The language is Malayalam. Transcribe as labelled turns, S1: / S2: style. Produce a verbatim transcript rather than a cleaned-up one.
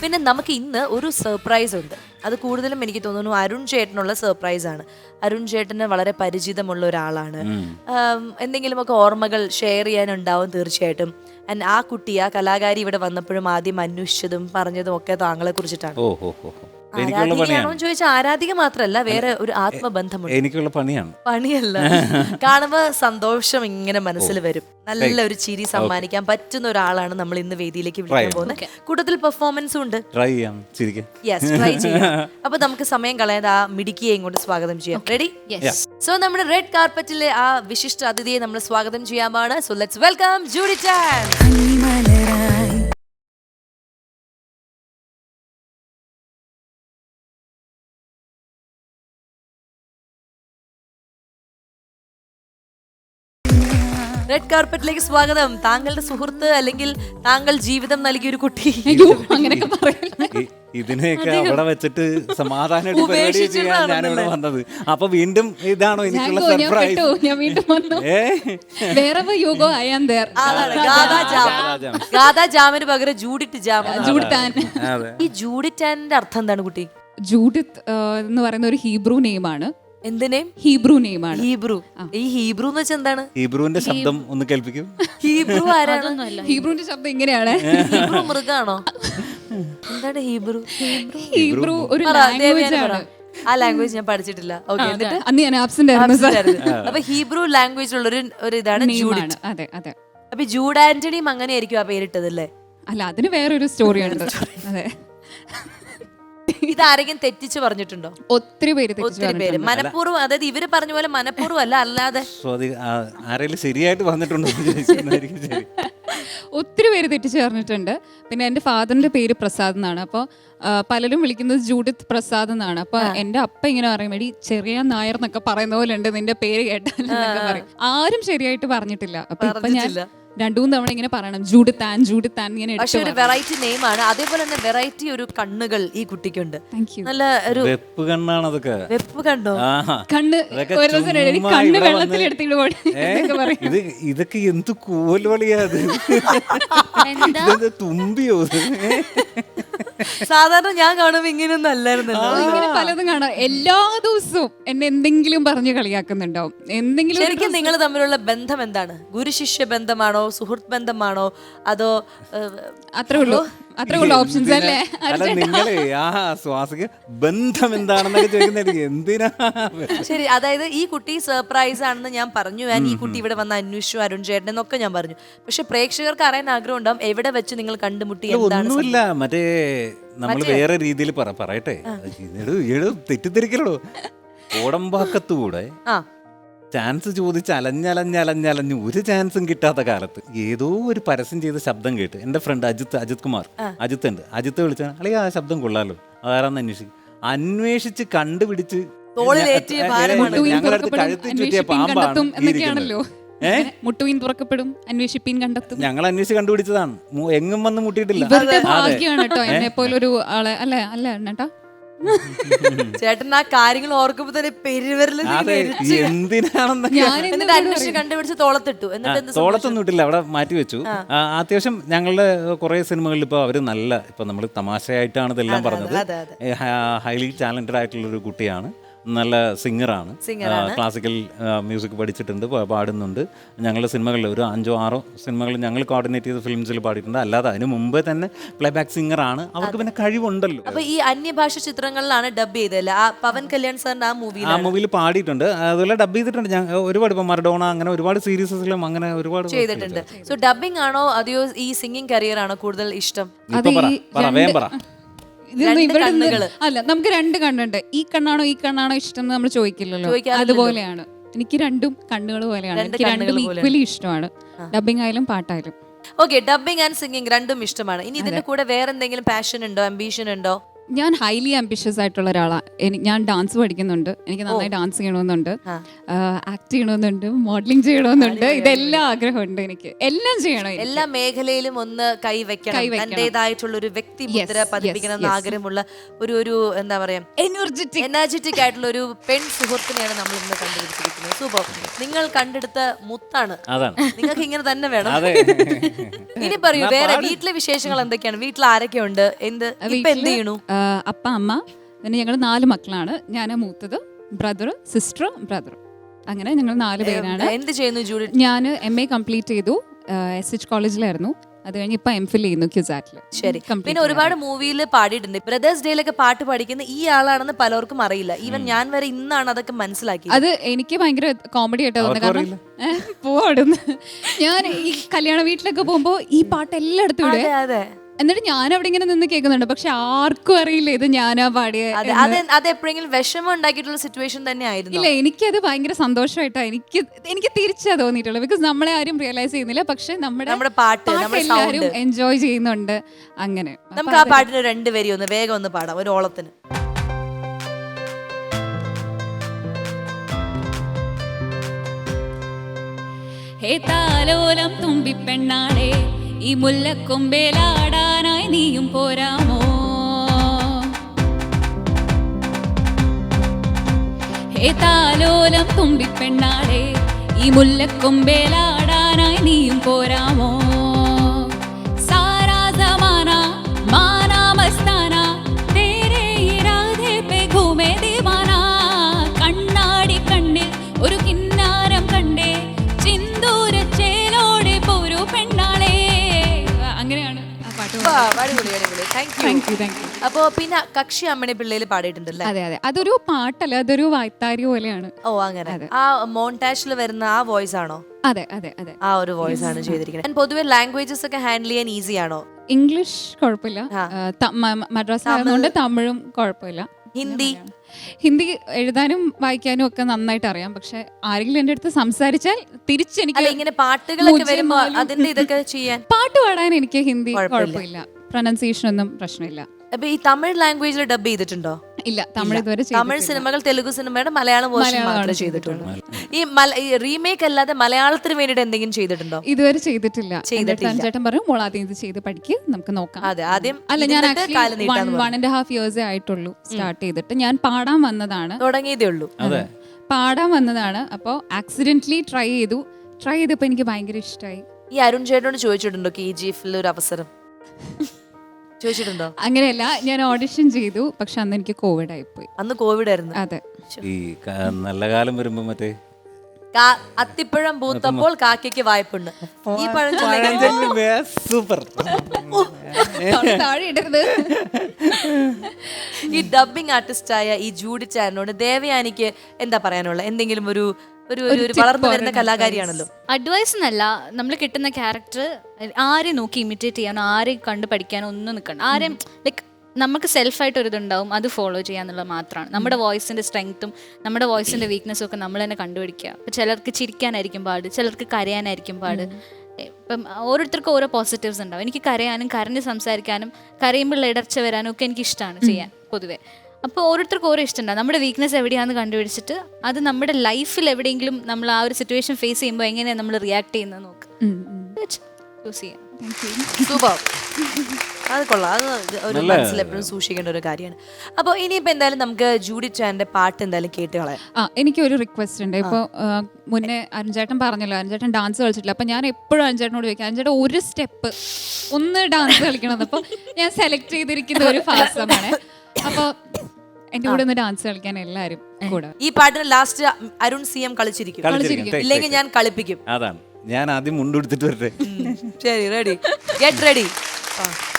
S1: പിന്നെ നമുക്ക് ഇന്ന് ഒരു സർപ്രൈസ് ഉണ്ട്. അത് കൂടുതലും എനിക്ക് തോന്നുന്നു അരുൺ ചേട്ടനുള്ള സർപ്രൈസ് ആണ്. അരുൺ ചേട്ടന് വളരെ പരിചിതമുള്ള ഒരാളാണ്. എന്തെങ്കിലുമൊക്കെ ഓർമ്മകൾ ഷെയർ ചെയ്യാനുണ്ടാവും തീർച്ചയായിട്ടും. ആൻഡ് ആ കുട്ടി, ആ കലാകാരി ഇവിടെ വന്നപ്പോഴും ആദ്യം അന്വേഷിച്ചതും പറഞ്ഞതും ഒക്കെ താങ്കളെ കുറിച്ചിട്ടാണ്. ആരാധികയാണോ എന്ന് ചോദിച്ചാൽ ആരാധിക മാത്രല്ല, വേറെ ഒരു ആത്മബന്ധമുണ്ട്.
S2: എനിക്കുള്ള പണിയാണ്.
S1: പണിയല്ല, കാണുമ്പോ സന്തോഷം ഇങ്ങനെ മനസ്സിൽ വരും. നല്ല ഒരു ചിരി സമ്മാനിക്കാൻ പറ്റുന്ന ഒരാളാണ് നമ്മൾ ഇന്ന് വേദിയിലേക്ക് വിളിക്കാൻ പോകുന്നത്. കൂടുതൽ പെർഫോമൻസും ഉണ്ട്.
S2: ട്രൈ ചെയ്യാം, ചിരിക്കാം.
S1: യെസ്, ട്രൈ ചെയ്യാം. അപ്പൊ നമുക്ക് സമയം കളയാതെ ആ മിടുക്കിയെ ഇങ്ങോട്ട് സ്വാഗതം ചെയ്യാം. റെഡി? സോ നമ്മുടെ റെഡ് കാർപ്പറ്റിലെ ആ വിശിഷ്ട അതിഥിയെ നമ്മൾ സ്വാഗതം ചെയ്യാമാണ്. So let's welcome Judy Chan. Red കാർപ്പറ്റിലേക്ക് സ്വാഗതം. താങ്കളുടെ സുഹൃത്ത് അല്ലെങ്കിൽ താങ്കൾ ജീവിതം നൽകിയ ഒരു കുട്ടി.
S2: ഇതിനെയൊക്കെ അവിടെ വെച്ചിട്ട് സമാധാനമായിട്ട് പരിപാടി ചെയ്യാൻ ഞാനിവിടെ വന്നത്. അപ്പൊ വീണ്ടും ഇതാണോ എനിക്കുള്ള സർപ്രൈസ്?
S1: ഗാഥാ ജാമിന് പകരം ജൂഡിറ്റ് ജാം. ഈ ജൂഡിറ്റാന്റെ അർത്ഥം എന്താണ് കുട്ടി?
S3: ജൂഡിത്ത് എന്ന് പറയുന്ന ഒരു ഹീബ്രു നെയിമാണ്.
S1: എന്തിനേ?
S3: ഹീബ്രു നെയിമാണ്.
S1: ഹീബ്രു. ഈ ഹീബ്രു എന്ന് വെച്ചാൽ എന്താണ്?
S2: ഹീബ്രുവിന്റെ ശബ്ദം ഒന്ന് കേൾപ്പിക്കും.
S1: ഹീബ്രു ആരാണ്?
S3: ഹീബ്രുവിന്റെ ശബ്ദം എങ്ങനെയാണ്?
S1: ഹീബ്രു മൃഗാണോ? എന്താണ് ഹീബ്രു?
S3: ഹീബ്രു ഒരു ലാംഗ്വേജ് ആണ്.
S1: ആ ലാംഗ്വേജ് ഞാൻ പഠിച്ചിട്ടില്ല. ഓക്കെ, എന്നിട്ട്
S3: അന്ന് ഞാൻ ആബ്സെന്റ് ആയിരുന്നു.
S1: അപ്പൊ ഹീബ്രു ലാംഗ്വേജ് ഉള്ള ഒരു ഇതാണ് ജൂഡിറ്റ്.
S3: അതെ അതെ.
S1: അപ്പൊ ജൂഡ് ആന്റണിയും അങ്ങനെയായിരിക്കും ആ പേരിട്ടതല്ലേ?
S3: അല്ല, അതിന് വേറൊരു സ്റ്റോറി ഉണ്ട്. അതെ.
S1: ഇതാരെങ്കിലും തെറ്റിച്ച് പറഞ്ഞിട്ടുണ്ടോ?
S3: ഒത്തിരി പേര്
S1: ഒത്തിരി പേര് മനഃപൂർവ്വം, അതായത് ഇവര് പറഞ്ഞ പോലെ മനഃപൂർവ്വം അല്ല, അല്ലാതെ
S2: ആരെങ്കിലും ശരിയായിട്ട് പറഞ്ഞിട്ടുണ്ടോ?
S3: ഒത്തിരി പേര് തെറ്റിച്ച് പറഞ്ഞിട്ടുണ്ട്. പിന്നെ എൻ്റെ ഫാദറിന്റെ പേര് പ്രസാദ് എന്നാണ്. അപ്പോൾ പലരും വിളിക്കുന്നത് ജൂഡിത്ത് പ്രസാദ് എന്നാണ്. അപ്പൊ എന്റെ അപ്പ ഇങ്ങനെ പറയും, എടി ചെറിയ നായർ എന്നൊക്കെ പറയുന്ന പോലെ ഉണ്ട് നിന്റെ പേര് കേട്ടാൽ. ആരും ശരിയായിട്ട് പറഞ്ഞില്ല. അപ്പൊ ഇപ്പൊ ഞാൻ രണ്ടു മൂന്ന് തവണ ഇങ്ങനെ പറയണം, ജൂഡിത്താൻ ജൂഡിത്താൻ ഇങ്ങനെ.
S1: പക്ഷെ ഒരു വെറൈറ്റി നെയിമാണ്. അതേപോലെ തന്നെ വെറൈറ്റി ഒരു കണ്ണുകൾ ഈ കുട്ടിക്കുണ്ട്. നല്ല ഒരു
S2: വെപ്പ് കണ്ണാണ്. അതൊക്കെ വെപ്പ്
S1: കണ്ടോ?
S3: കണ്ണ് കണ്ണ് വെള്ളത്തിൽ എടുത്തിട്ട് പോയി.
S2: ഇത് ഇതൊക്കെ എന്ത് കൂലോളിയാ അത്? തുമ്പിയോ?
S1: സാധാരണ ഞാൻ കാണുമ്പോ ഇങ്ങനെയൊന്നും അല്ലായിരുന്നല്ലോ.
S3: ഇങ്ങനെ പലതും കാണാം. എല്ലാ ദിവസവും എന്നെ എന്തെങ്കിലും പറഞ്ഞ് കളിയാക്കുന്നുണ്ടാവും. എന്തെങ്കിലും.
S1: ശരിക്കും നിങ്ങൾ തമ്മിലുള്ള ബന്ധം എന്താണ്? ഗുരുശിഷ്യ ബന്ധമാണോ, സുഹൃത്ത് ബന്ധമാണോ, അതോ?
S3: അത്രേ ഉള്ളൂ, അത്രേ ഉള്ളൂ ഓപ്ഷൻസ് അല്ലേ?
S2: അല്ല, നിങ്ങളെ ആ സ്വാസിക ബന്ധം എന്താണെന്നൊക്കെ ചോദിക്കുന്നത് എന്തിനാ?
S1: ശരി, അതായത് ഈ കുട്ടി സർപ്രൈസ് ആണെന്ന് ഞാൻ പറഞ്ഞു. ഞാൻ ഈ കുട്ടി ഇവിടെ വന്ന് അന്വേഷിച്ചു അരുൺ ചേട്ടൻ എന്നൊക്കെ ഞാൻ പറഞ്ഞു. പക്ഷെ പ്രേക്ഷകർക്ക് അറിയാൻ ആഗ്രഹം ഉണ്ടാവും, എവിടെ വെച്ച് നിങ്ങൾ കണ്ടുമുട്ടി?
S2: ഒന്നുമില്ല, മറ്റേ നമ്മൾ വേറെ രീതിയിൽ പറയട്ടെ. തെറ്റിദ്ധരിക്കലോ, ഓടമ്പാക്കത്തൂടെ ചാൻസ് ചോദിച്ച് അലഞ്ഞലഞ്ഞലഞ്ഞലഞ്ഞ് ഒരു ചാൻസും കിട്ടാത്ത കാലത്ത് ഏതോ ഒരു പരസ്യം ചെയ്ത ശബ്ദം കേട്ട് എൻ്റെ ഫ്രണ്ട് അജിത്ത് അജിത് കുമാർ അജിത്ത് ഉണ്ട്. അജിത്ത് വിളിച്ചാൽ അല്ലെങ്കിൽ ആ ശബ്ദം കൊള്ളാലോ, അതാരാന്ന് അന്വേഷിക്കും. അന്വേഷിച്ച് കണ്ടുപിടിച്ച് ഞങ്ങളടുത്ത് കഴുത്തി ചുറ്റിയ പാമ്പാണ്.
S3: മുട്ടുവീൻ തുറക്കപ്പെടും, അന്വേഷിപ്പീൻ കണ്ടെത്തും.
S2: ഞങ്ങൾ അന്വേഷിച്ച് കണ്ടുപിടിച്ചതാണ്, എങ്ങും വന്ന് മുട്ടിയിട്ടില്ല.
S3: എന്നെ പോലൊരു ആളെ അല്ലേ അല്ല എണ്ണട്ടാ.
S1: ചേട്ടൻ ആ കാര്യങ്ങൾ ഓർക്കുമ്പോ തന്നെ പെരുവരല് അന്വേഷിച്ച് കണ്ടുപിടിച്ച് തോളത്തിട്ടു.
S2: തോളത്തൊന്നും ഇട്ടില്ല, അവിടെ മാറ്റി വെച്ചു. അത്യാവശ്യം ഞങ്ങളുടെ കുറെ സിനിമകളിൽ ഇപ്പൊ അവര് നല്ല, ഇപ്പൊ നമ്മൾ തമാശയായിട്ടാണ് ഇതെല്ലാം പറഞ്ഞത്. ഹൈലി ടാലന്റഡ് ആയിട്ടുള്ള ഒരു കുട്ടിയാണ്, നല്ല സിംഗറാണ്, ക്ലാസിക്കൽ മ്യൂസിക് പഠിച്ചിട്ടുണ്ട്, പാടുന്നുണ്ട്. ഞങ്ങളുടെ സിനിമകളിൽ ഒരു അഞ്ചോ ആറോ സിനിമകൾ ഞങ്ങൾ കോർഡിനേറ്റ് ചെയ്ത ഫിലിംസിൽ പാടിയിട്ടുണ്ട്. അല്ലാതെ അതിന് മുമ്പേ തന്നെ പ്ലേബാക്ക് സിംഗറാണ്. അവർക്ക് പിന്നെ കഴിവുണ്ടല്ലോ.
S1: അപ്പൊ ഈ അന്യഭാഷ ചിത്രങ്ങളിലാണ് ഡബ് ചെയ്തല്ലേ? ആ പവൻ കല്യാൺ സാറിന്റെ ആ മൂവിയിൽ
S2: ആ മൂവിയിൽ പാടിയിട്ടുണ്ട്. അതുപോലെ ഡബ് ചെയ്തിട്ടുണ്ട് ഞാൻ ഒരുപാട്. ഇപ്പൊ മറഡോണ അങ്ങനെ ഒരുപാട് സീരീസിലും അങ്ങനെ ഒരുപാട്
S1: ചെയ്തിട്ടുണ്ട്. സോ ഡബിംഗ് ആണോ അതെയോ ഈ സിംഗിങ് കരിയർ ആണോ കൂടുതൽ ഇഷ്ടം?
S3: അല്ല, നമുക്ക് രണ്ട് കണ്ണുണ്ട്. ഈ കണ്ണാണോ ഈ കണ്ണാണോ ഇഷ്ടം എന്ന് നമ്മൾ ചോദിക്കില്ലല്ലോ. അതുപോലെയാണ് എനിക്ക് രണ്ടും കണ്ണുകൾ പോലെയാണ്. എനിക്ക് രണ്ടും ഈക്വലി ഇഷ്ടമാണ്, ഡബിംഗ് ആയാലും പാട്ടായാലും.
S1: ഓക്കെ, ഡബിംഗ് ആൻഡ് സിംഗിങ് രണ്ടും ഇഷ്ടമാണ്. ഇനി ഇതിന്റെ കൂടെ വേറെ എന്തെങ്കിലും പാഷൻ ഉണ്ടോ, അംബീഷൻ ഉണ്ടോ?
S3: ഞാൻ ഹൈലി ആംബിഷ്യസ് ആയിട്ടുള്ള ഒരാളാണ്. എനിക്ക് ഞാൻ ഡാൻസ് പഠിക്കുന്നുണ്ട്, എനിക്ക് നന്നായി ഡാൻസ് ചെയ്യണമെന്നുണ്ട്, ആക്ട് ചെയ്യണമെന്നുണ്ട്, മോഡലിംഗ് ചെയ്യണമെന്നുണ്ട്, ഇതെല്ലാം ആഗ്രഹമുണ്ട് എനിക്ക്. എല്ലാം ചെയ്യണം എനിക്ക്.
S1: എല്ലാ മേഖലയിലും ഒന്ന് കൈവയ്ക്കണം, തന്റേതായിട്ടുള്ള ഒരു വ്യക്തി മുദ്ര പതിപ്പിക്കണം എന്ന് ആഗ്രഹമുള്ള ഒരു ഒരു എന്താ പറയാ
S3: എനർജറ്റിക്
S1: എനർജറ്റിക് ആയിട്ടുള്ള ഒരു പെൺ സുഹൃത്തിനെയാണ് നമ്മൾ ഇന്ന് കണ്ടുപിടിച്ചിരിക്കുന്നത്. സൂപ്പർ. നിങ്ങൾ കണ്ടെടുത്ത മുത്താണ്. നിങ്ങൾക്ക് ഇങ്ങനെ തന്നെ വേണം. ഇനി പറയൂ, വേറെ വീട്ടിലെ വിശേഷങ്ങൾ എന്തൊക്കെയാണ്? വീട്ടിൽ ആരൊക്കെയുണ്ട്? എന്ത് ഇപ്പൊ എന്ത് ചെയ്യണു?
S3: അപ്പ, അമ്മ, പിന്നെ ഞങ്ങൾ നാല് മക്കളാണ്. ഞാൻ മൂത്തത്, ബ്രദർ, സിസ്റ്റർ, ബ്രദർ, അങ്ങനെ ഞങ്ങൾ നാല് പേരാണ്.
S1: എന്ത് ചെയ്യുന്നു ജൂഡി?
S3: ഞാൻ എം എ കംപ്ലീറ്റ് ചെയ്തു, എസ് എച്ച് കോളേജിലായിരുന്നു. അത് കഴിഞ്ഞ് ഇപ്പൊ എം ഫിൽ ചെയ്യുന്നു ക്യുസാറ്റിൽ.
S1: ശരി. പിന്നെ ഒരുപാട് മൂവിയിൽ പാടിയിട്ടുണ്ട്. ബ്രദേഴ്സ് ഡേയിലൊക്കെ പാട്ട് പഠിക്കുന്ന ഈ ആളാണെന്ന് പലർക്കും അറിയില്ല. ഈവൻ ഞാൻ വരെ ഇന്നാണ് അതൊക്കെ മനസ്സിലാക്കി.
S3: അത് എനിക്ക് ഭയങ്കര കോമഡി ആയിട്ട് തോന്നുന്നു. കാരണം പോവാടുന്നു ഞാൻ ഈ കല്യാണ വീട്ടിലൊക്കെ പോകുമ്പോ ഈ പാട്ട് എല്ലായിടത്തും ഇടും.
S1: അതെ.
S3: എന്നിട്ട് ഞാൻ അവിടെ ഇങ്ങനെ നിന്ന് കേൾക്കുന്നുണ്ട്, പക്ഷെ ആർക്കും അറിയില്ല ഇത് ഞാനാ പാടിയ.
S1: അത് എപ്പോഴെങ്കിലും വിഷമം ഉണ്ടാക്കിയിട്ടുള്ള സിറ്റുവേഷൻ തന്നെ ആയിരുന്നു?
S3: ഇല്ല, എനിക്കത് ഭയങ്കര സന്തോഷമായിട്ടാ എനിക്ക് എനിക്ക് തിരിച്ചാ തോന്നിയിട്ടുള്ളത്. ബിക്കോസ് നമ്മളെ ആരും റിയലൈസ് ചെയ്യുന്നില്ല, പക്ഷെ നമ്മുടെ
S1: പാട്ട്
S3: എല്ലാവരും എൻജോയ് ചെയ്യുന്നുണ്ട്. അങ്ങനെ
S1: നമുക്ക് ആ പാട്ടിന് രണ്ടുപേരി ഒന്ന് വേഗം ഒന്ന് പാടാം, ഒരു ഓളത്തിന്.
S4: ഹേ താലോലം തുമ്പിപ്പെണ്ണാളെ, ഈ മുല്ലക്കൊമ്പേലാടാനായി നീയും പോരാമോ? ഹേ താലോലം തുമ്പിപ്പെണ്ണാളെ, ഈ മുല്ലക്കൊമ്പേലാടാനായി നീയും പോരാമോ? സാരാ സമാന മാനാ മസ്താന തേരെ ഇരാദെ പേ ഘൂമേ ദീവാന. കണ്ണാടി കണ്ണിൽ ഒരു കിന്നാരം കണ്ടേ, ചിന്തൂര ചേലോടെ പോരൂ പെണ്ണാളെ. അങ്ങനെയാണ് ആ പാട്ട്.
S1: അപ്പോ പിന്നെ കക്ഷി അമ്മണി പിള്ളേര് പാടിയിട്ടുണ്ടല്ലേ?
S3: അതെ അതെ, അതൊരു പാട്ടല്ല, അതൊരു വായ്ത്താരി പോലെയാണ്.
S1: ഓ അങ്ങനെ. ആ മോണ്ടാഷിൽ വരുന്ന ആ വോയിസ് ആണോ?
S3: അതെ അതെ അതെ,
S1: ആ ഒരു വോയിസ് ആണ് ചെയ്തിരിക്കുന്നത്. പൊതുവെ ലാംഗ്വേജസ് ഒക്കെ ഹാൻഡിൽ ചെയ്യാൻ ഈസി ആണോ?
S3: ഇംഗ്ലീഷ് കുഴപ്പമില്ല, മദ്രാസിലായതുകൊണ്ട് തമിഴും കുഴപ്പമില്ല.
S1: ഹിന്ദി?
S3: ഹിന്ദി എഴുതാനും വായിക്കാനും ഒക്കെ നന്നായിട്ട് അറിയാം. പക്ഷെ ആരെങ്കിലും എന്റെ അടുത്ത് സംസാരിച്ചാൽ തിരിച്ചെനിക്ക്
S1: ഇങ്ങനെ പാട്ടുകളൊക്കെ വരുമ്പോ അതിന്റെ ഇതൊക്കെ ചെയ്യാൻ,
S3: പാട്ട് പാടാൻ എനിക്ക് ഹിന്ദി കുഴപ്പമില്ല, പ്രൊനൗൺസിയേഷൻ ഒന്നും പ്രശ്നമില്ല.
S1: അപ്പൊ ഈ തമിഴ് ലാംഗ്വേജിൽ ഡബ് ചെയ്തിട്ടുണ്ടോ?
S3: ഇല്ല, തമിഴ് ഇതുവരെ.
S1: തമിഴ് സിനിമകൾ തെലുഗു സിനിമയുടെ മലയാളം വേർഷൻ മാത്രമേ ചെയ്തിട്ടുള്ളൂ. ഈ റീമേക്ക് അല്ലാതെ മലയാളത്തിന് വേണ്ടിട്ട് എന്തെങ്കിലും ചെയ്തിട്ടുണ്ടോ?
S3: ഇതുവരെ ചെയ്തിട്ടില്ല. ചേട്ടൻ പറഞ്ഞു മോൾ ആദ്യം ഇത് ചെയ്ത് പഠിക്ക്, നമുക്ക് നോക്കാം.
S1: അതെ, ആദ്യം
S3: അല്ല, ഞാൻ ആക്ച്വലി വൺ ആൻഡ് ഹാഫ് ഇയേഴ്സേ ആയിട്ടുള്ളൂ സ്റ്റാർട്ട് ചെയ്തിട്ട്. ഞാൻ പാടാൻ വന്നതാണ്,
S1: തുടങ്ങിയതേ ഉള്ളൂ.
S3: പാടാൻ വന്നതാണ്. അപ്പോൾ ആക്സിഡന്റലി ട്രൈ ചെയ്തു. ട്രൈ ചെയ്തപ്പോ എനിക്ക് ഭയങ്കര ഇഷ്ടമായി.
S1: ഈ അരുൺ ചേട്ടനോട് ചോദിച്ചിട്ടുണ്ടോ കെ ജി എഫിൽ ഒരു അവസരം? ചോദിച്ചിട്ടുണ്ടോ?
S3: അങ്ങനെയല്ല, ഞാൻ ഓഡിഷൻ ചെയ്തു, പക്ഷെ അന്ന് എനിക്ക് കോവിഡ് ആയിപ്പോയി.
S1: അന്ന് കോവിഡ് ആയിരുന്നു.
S3: അതെ.
S2: ഈ നല്ല കാലം വരുമ്പോ മറ്റേ
S1: അത്തിപ്പഴം പൂത്തപ്പോൾ കാക്കയ്ക്ക് വായ്പുണ്ട്. ഈ പഴം
S2: സൂപ്പർ.
S1: ഈ ഡബിംഗ് ആർട്ടിസ്റ്റായ ഈ ജൂഡി ചാനോട് ദേവയാനിക്ക് എന്താ പറയാനുള്ള? എന്തെങ്കിലും ഒരു ഒരു വളർന്നു വരുന്ന കലാകാരിയാണല്ലോ.
S4: അഡ്വൈസ് എന്നല്ല, നമ്മൾ കിട്ടുന്ന ക്യാരക്ടർ ആരെയും നോക്കി ഇമിറ്റേറ്റ് ചെയ്യാനോ ആരെയും കണ്ട് പഠിക്കാനോ ഒന്നും നിൽക്കണം. ആരെയും ലൈക്ക് നമുക്ക് സെൽഫായിട്ട് ഒരു ഇതുണ്ടാവും, അത് ഫോളോ ചെയ്യാന്നുള്ളത് മാത്രമാണ്. നമ്മുടെ വോയിസിൻ്റെ സ്ട്രെങ്ത്തും നമ്മുടെ വോയിസിൻ്റെ വീക്ക്നെസ്സും ഒക്കെ നമ്മൾ തന്നെ കണ്ടുപിടിക്കുക. ഇപ്പം ചിലർക്ക് ചിരിക്കാനായിരിക്കും പാട്, ചിലർക്ക് കരയാനായിരിക്കും പാട്. ഇപ്പം ഓരോരുത്തർക്കും ഓരോ പോസിറ്റീവ്സ് ഉണ്ടാവും. എനിക്ക് കരയാനും കരഞ്ഞ് സംസാരിക്കാനും കരയുമ്പോൾ ഇടർച്ച വരാനും ഒക്കെ എനിക്ക് ഇഷ്ടമാണ് ചെയ്യാൻ പൊതുവേ. അപ്പോൾ ഓരോരുത്തർക്കും ഓരോ ഇഷ്ടമുണ്ടാകും. നമ്മുടെ വീക്ക്നെസ് എവിടെയാണെന്ന് കണ്ടുപിടിച്ചിട്ട് അത് നമ്മുടെ ലൈഫിൽ എവിടെയെങ്കിലും നമ്മൾ ആ ഒരു സിറ്റുവേഷൻ ഫേസ് ചെയ്യുമ്പോൾ എങ്ങനെയാണ് നമ്മൾ റിയാക്ട് ചെയ്യുന്നത് നോക്കുക, ചൂസ് ചെയ്യാം.
S1: സൂപ്പർ. അത് കൊള്ളാം. അത് ഒരു മനസ്സിൽ എപ്പോഴും സൂക്ഷിക്കേണ്ട ഒരു കാര്യമാണ്. അപ്പോൾ ഇനിയിപ്പോൾ എന്തായാലും നമുക്ക് ജൂഡി ചാൻ്റെ പാട്ട് എന്തായാലും കേട്ട് കളയാം.
S3: ആ, എനിക്കൊരു റിക്വസ്റ്റ് ഉണ്ട്. ഇപ്പോൾ മുന്നേ അരുൺചേട്ടൻ പറഞ്ഞല്ലോ, അരുൺചേട്ടൻ ഡാൻസ് കളിച്ചിട്ടില്ല. അപ്പോൾ ഞാൻ എപ്പോഴും അരുൺചേട്ടനോട് ചോദിക്കാം, അരുൺചേട്ടൻ ഒരു സ്റ്റെപ്പ് ഒന്ന് ഡാൻസ് കളിക്കണമെന്ന്. അപ്പോൾ ഞാൻ സെലക്ട് ചെയ്തിരിക്കുന്ന ഒരു ഫാസമാണ്. അപ്പോൾ എന്റെ കൂടെ ഒന്ന് ഡാൻസ് കളിക്കാൻ എല്ലാവരും കൂടെ.
S1: ഈ പാട്ടിന് ലാസ്റ്റ് അരുൺ സി എം കളിച്ചിരിക്കും, ഇല്ലെങ്കിൽ ഞാൻ കളിപ്പിക്കും.
S2: അതാണ്, ഞാൻ ആദ്യം മുണ്ടെടുത്തിട്ട് വരട്ടെ.
S1: ശരി, റെഡി, ഗെറ്റ് റെഡി.